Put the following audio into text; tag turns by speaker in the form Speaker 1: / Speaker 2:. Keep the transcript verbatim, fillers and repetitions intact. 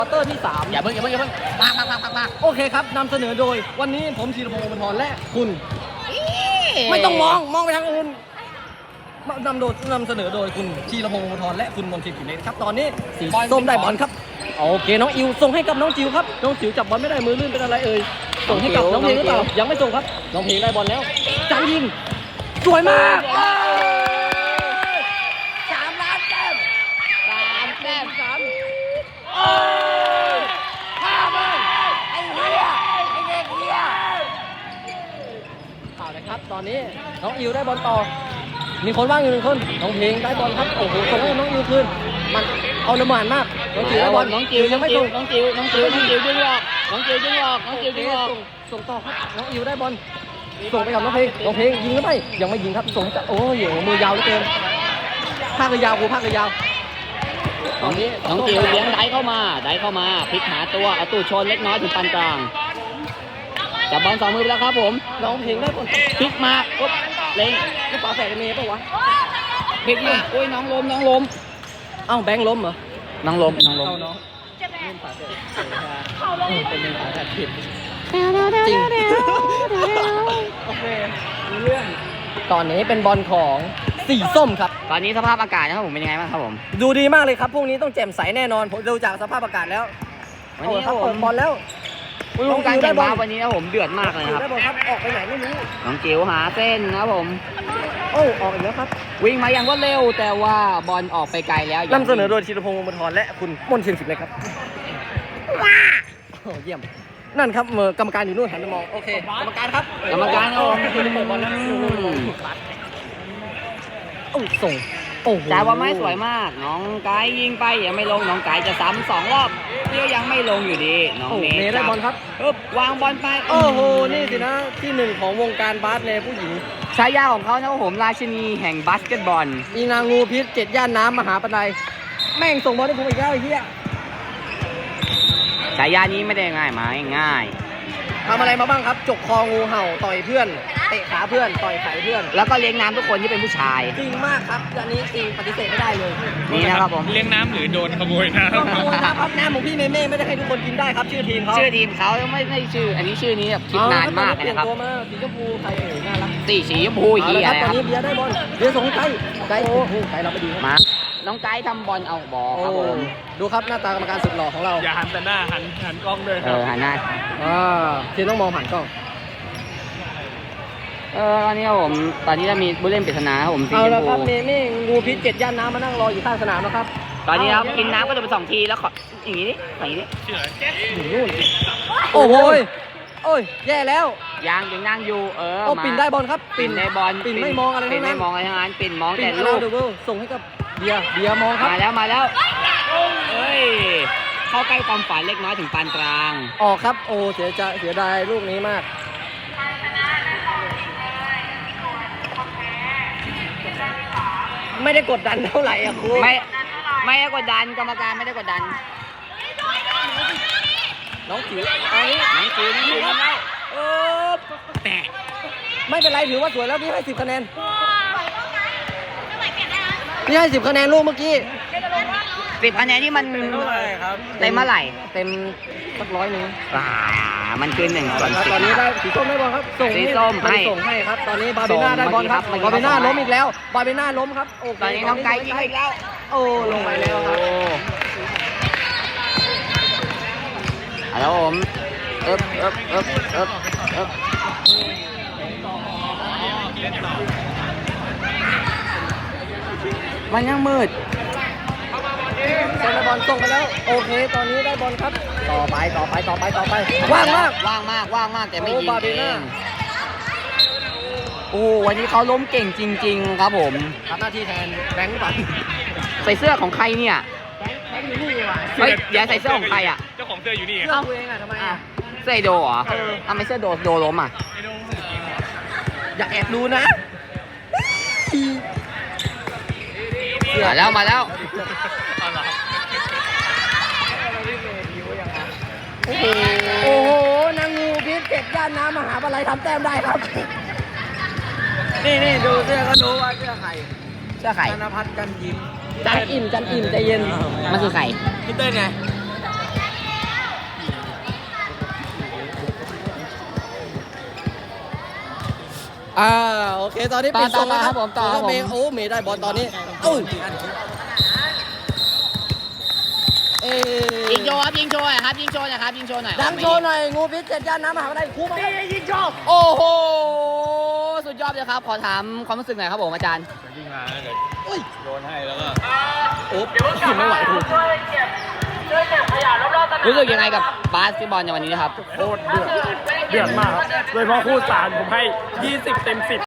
Speaker 1: ควอเตอร์ที่สาม
Speaker 2: อย่าเพิ่งอย่าเพิ่งอย่าเพิ่งมากมากมากมากมาก
Speaker 1: โอเคครับนำเสนอโดยวันนี้ผมธีรพงศ์วงศ์ธรและคุณไม่ต้องมองมองไปทางอื่นนำโดยนำเสนอโดยคุณธีรพงศ์วงศ์ธรและคุณมนทิพย์ผิวเนตรครับตอนนี้สีส้มได้บอลครับโอเคน้องอิวส่งให้กับน้องจิวครับน้องจิวจับบอลไม่ได้มือลื่นเป็นอะไรเอ่ยส่งให้กับน้องเพลงหรือเปล่ายังไม่ส่งครับน้องเพลงได้บอลแล้วจังยิงสวยมากสามล้านแต้ม
Speaker 2: สามแต้ม
Speaker 1: สามโอ้ยห้าเบิ้ลไอ้เหี้ยไอ้เด็กเหี้ยเอาเลยครับตอนนี้น้องอิวได้บอลต่อมีคนว่างอยู่หนึ่งคนน้องเพลงได้บอลครับโอ้โหส่งให้น้องอิวคืนมันเอาละหมานมากน้องจิวได้บอล
Speaker 2: น้องจิว
Speaker 1: ยังไม่ส่ง
Speaker 2: น้องจิวน้องจิวน้องจิวยิงออกน้องจิวยิงออกน้องจิวยิงออก
Speaker 1: ส่งต่อครับน้องอิวได้บอลส่งไปกับน้องเพลงน้องเพลงยิงหรือไม่ยังไม่ยิงครับส่งจะโอ้ยมือยาวเหลือเกินภาคเลยยาวกูภาคเลยยาวตอนนี้
Speaker 2: น้องจิวเลี้ยงได้เข้ามาได้เข้ามาพลิกหาตัวเอาตู้ชนเล็กน้อยถึงปานกลางจับบอลสองมือไปแล้วครับผม
Speaker 1: น้องเพลงได้บอล
Speaker 2: พลิกมาปุ๊บเล็ง
Speaker 1: ลูกฝาแฝดเมย์ป่าวะ
Speaker 2: พลิกมาโอ้ยน้องล้มน้องล้ม
Speaker 1: เอ้าแบงค์ล้มเหรอ
Speaker 2: น้องล้มน้องล้ม
Speaker 1: เอาน้องเล่นฝาแฝดเป็นเล่นฝาแฝดผิดจริงโอเคเรื่องตอนนี้เป็นบอลของสีส้มครับ
Speaker 2: ตอนนี้สภาพอากาศนะครับผมเป็นยังไงบ้างครับผม
Speaker 1: ดูดีมากเลยครับพรุ่งนี้ต้องแจ่มใสแน่นอนผมดูจากสภาพอากาศแล้ว
Speaker 2: วันนี้
Speaker 1: เอา
Speaker 2: ค
Speaker 1: ค
Speaker 2: รั
Speaker 1: รั
Speaker 2: บบ ผ
Speaker 1: เปิ
Speaker 2: ม
Speaker 1: ดบอลแล้ว
Speaker 2: วงการแข่งบาสวันนี้นะผมเดือดมากเลยนะครับ
Speaker 1: ได้บอลครับออกไปไหนไม่รู้
Speaker 2: น้องจิ๋วหาเส้นนะครับผม
Speaker 1: โอ้ออกอีกแล้วครับ
Speaker 2: วิ่งมาอย่างรวดเร็วแต่ว่าบอลออกไปไกลแล้ว
Speaker 1: นำเสนอโดยธีรพงศ์วงศ์บรรทรและคุณมนต์เชียงศิลป์เลยครับว้าโอ้เยี่ยมนั่นครับเมื่อกรรมการอยู่นู่นหันไปมองโอเคกรรมการครับ
Speaker 2: กรรมการครับผม
Speaker 1: คุณเปิดบอลแล้วโอ้ส่งโอ้โห
Speaker 2: จ่ายบอลไม่สวยมาก น้องไก่ยิงไปยังไม่ลงน้องไก่จะซ้ำสองรอบเดียวยังไม่ลงอยู่ดีน้อง
Speaker 1: โอ้
Speaker 2: เม
Speaker 1: เมย์ได้บอลครับ
Speaker 2: ปึ๊บวางบอลไป
Speaker 1: โอ้โหนี่สินะที่หนึ่งของวงการบาสในผู้หญิง
Speaker 2: ฉายาของเขานะครับผมราชินีแห่งบาสเกตบอล
Speaker 1: อีนางงูพิษเจ็ดย่านน้ำมหาปนัยแม่งส่งบอลให้ผมอีกแล้วไอ้เหี้ย
Speaker 2: ฉายานี้ไม่ได้ง่ายมาง่าย
Speaker 1: ทำอะไรมาบ้างครับ จกคองูเห่าต่อยเพื่อนเตะขาเพื่อนต่อยไข่เพื่อน
Speaker 2: แล้วก็เลี้ยงน้ำทุกคนที่เป็นผู้ชาย
Speaker 1: จริงมากครับอันนี้จริงปฏิเสธไม่ได้เลย
Speaker 2: นี่นะครับผม
Speaker 3: เลี้ยงน้ำหรือโดนขโมยน้
Speaker 1: ขโมยนะครับน้ำของพี่เมเม่ไม่ได้ให้ทุกคนกินได้ครับชื่อทีมเขา
Speaker 2: ชื่อทีมเขาไม่ไม่ชื่อ อันนี้ชื่อนี้แบบคิดนานมากเลยนะครับ
Speaker 1: เปลี่ยนตัวมาสีชมพูใครเอ่ยน่ารัก
Speaker 2: สีสีชมพู
Speaker 1: เอา
Speaker 2: เหีย
Speaker 1: ละค
Speaker 2: อะ
Speaker 1: รับ
Speaker 2: ไร
Speaker 1: ตอน
Speaker 2: ครับ
Speaker 1: นี้เบียร์ได้บอลเบียร์ส่งให้ไกลไกลโอ้โหไกลเราไปดีครับ
Speaker 2: มา น้องไก่ทำบอลเอาบอล
Speaker 1: โอ้
Speaker 2: ครับผม
Speaker 1: ดูครับหน้าตากรรมการสุดหล่อของเรา
Speaker 3: ำอย่าหันแต่หน้าหันหันกล้องด้วย
Speaker 2: เอ
Speaker 3: ครับ
Speaker 2: อหันหน้า
Speaker 1: อ่าทีมต้องมองผ่านกล้อง
Speaker 2: เออตอนนี้ครับผม ตอนนี้จะมีผู้เล่นปริศนาครับผมสี
Speaker 1: เอา
Speaker 2: ช
Speaker 1: ละ
Speaker 2: ม
Speaker 1: ครับ
Speaker 2: พู
Speaker 1: เมเม่งูพิษเจ็ดย่านน้ำมานั่งรออยู่ข้างสนามแล้วครับ
Speaker 2: ตอนนี้ครับกินน้ำก็จะเป็นสองทีแล้วขออย่างนี้ดิอย่างนี้ดิ
Speaker 1: อยู่นู่นโอ้โหยโอ้ยแย่แล้ว
Speaker 2: ยางยังนั่งอยู่ เออ
Speaker 1: โอ้
Speaker 2: มา
Speaker 1: ปิ่นได้บอลครับ
Speaker 2: ปิ่นได้บอล
Speaker 1: ปิ่นไม่มองอะไร
Speaker 2: ปิ่
Speaker 1: ทั้
Speaker 2: น
Speaker 1: งนั้
Speaker 2: ไม่
Speaker 1: น
Speaker 2: มองอะไรทั้งนั้นปิ่นมอง
Speaker 1: ปิ่
Speaker 2: แต่
Speaker 1: นอา
Speaker 2: ลู
Speaker 1: ราก เดเบิลส่งให้กับเบียร์เบียร์มองครับ
Speaker 2: มาแล้วมาแล้วเฮ้ย เข้าใกล้ความฝันเล็กน้อยถึงปานกลาง
Speaker 1: ออกครับ โอ้เสียใจเสียดายลูกนี้มากไม่ได้กดดันเท่าไหร่อะครู
Speaker 2: ไม่ไม่ได้กดดันกรรมการไม่ได้กดดัน
Speaker 1: น้องจิ๋วเอางี้
Speaker 2: น้องจิ๋วน้องจิ๋วแล้ว
Speaker 1: เออ
Speaker 2: แตะ
Speaker 1: ไม่เป็นไรถือว่าสวยแล้วพี่ให้สิบคะแนนพี่ให้สิบคะแนนลูกเมื่อกี้
Speaker 2: สิบคะแนนที่มัน
Speaker 3: เท่าไหร่ครับ
Speaker 2: เต็มเมื่อไหร่
Speaker 1: เต็มสักร้อยหนึ่ง
Speaker 2: อ่ามันคือหนึ่งส่วน
Speaker 1: ครับ
Speaker 2: สิบ
Speaker 1: ตอนนี้ได้สีส้มได้บอลครับส่ง
Speaker 2: สีส้ม
Speaker 1: ให้
Speaker 2: ให้
Speaker 1: ส่งให้ครับ ตอนนี้บาร์เบน่าได้บอลครับ
Speaker 2: เมื่อกี้
Speaker 1: บาร์เบน่า
Speaker 2: ครับ
Speaker 1: ล้มอีกแล้วบาร์เบน่าล้มครับโอเค
Speaker 2: ตอนนี้น้องไก่ยิงอีกแล้ว
Speaker 1: โอ้ลงไปแล้วครับ
Speaker 2: โอ้เอาแล้วผมเอ๊บเอ๊บเอ๊บเอ๊บเอ๊บมันยังมืด
Speaker 1: เซนบอลส่งไปแล้วโอเค ตอนนี้ได้บอลครับ ต่อไปต่อไปต่อไปต่อไปว่างมาก
Speaker 2: ว่างมากว่างมากแต่ไม่ยิง
Speaker 1: โอ้บาร์เบ
Speaker 2: เอ
Speaker 1: น่า
Speaker 2: งโอ้วันนี้เขาล้มเก่งจริง ๆ ครับผม
Speaker 1: ทำหน้าที่แทนแบงค์ปัน
Speaker 2: ใส่เสื้อของใครเนี่ย
Speaker 1: แบงค์อยู่นี่ดีกว่า
Speaker 2: เฮ้ยอย่าใส่เสื้อของใครอ่ะ
Speaker 3: เจ้าของเสื้ออยู่นี่
Speaker 1: เสื้อตัวเองอะทำไมอะ
Speaker 2: เสื้อไอโดเหรอทำไมเสื้อโดโดล้มอ่ะ
Speaker 1: อย่าแอบดูนะ
Speaker 2: มาแล้วมาแล้ว
Speaker 1: โอ้โหโอ้โหนางงูพิษเก็บย่านน้ำมหาวิทยาลัยทำแต้มได้ครับ นี่นี่ดูเสื้อก็รู้ว่าเสื้อใคร
Speaker 2: เสื้อใคร
Speaker 1: ธนพัฒน์กันยิ้มจันอิ่มจันอิ่มใจเย็น
Speaker 2: มันคือใคร
Speaker 1: พี่เต้นไงอ่าโอเคตอนนี้
Speaker 2: ต่อ
Speaker 1: ปิดทรงแล้ว
Speaker 2: ต่อครับผมต่อครับผม
Speaker 1: เมย์โอ้เมย์ได้บอลตอนนี้โอ้ยเอ้ย
Speaker 2: ยิงโชว์ครับยิงโชว์หน่อยครับยิงโชว์หน่อยครับยิงโชว์หน่อย
Speaker 1: ดังโชว์หน่อยงูพิษเจ็ดย่านน้ำมหาวิทยาลัยครูมาครับยิงโชว์
Speaker 2: โอ้โหสุดยอดเลยครับขอถามความรู้สึกหน่อยครับผมอาจารย์
Speaker 3: วิ่งมาเดี๋ยว
Speaker 1: อุ้ย
Speaker 3: โดนให้แล้วก็
Speaker 1: โอ้ยไม่ไหวครู
Speaker 2: รู้สึกยังไงกับบาสเกตบอลในวันนี้ครับ
Speaker 3: โคตรเดือด เดือดมากครับ โดยเฉพาะคู่สารผมให้ยี่สิบเต็มสิบ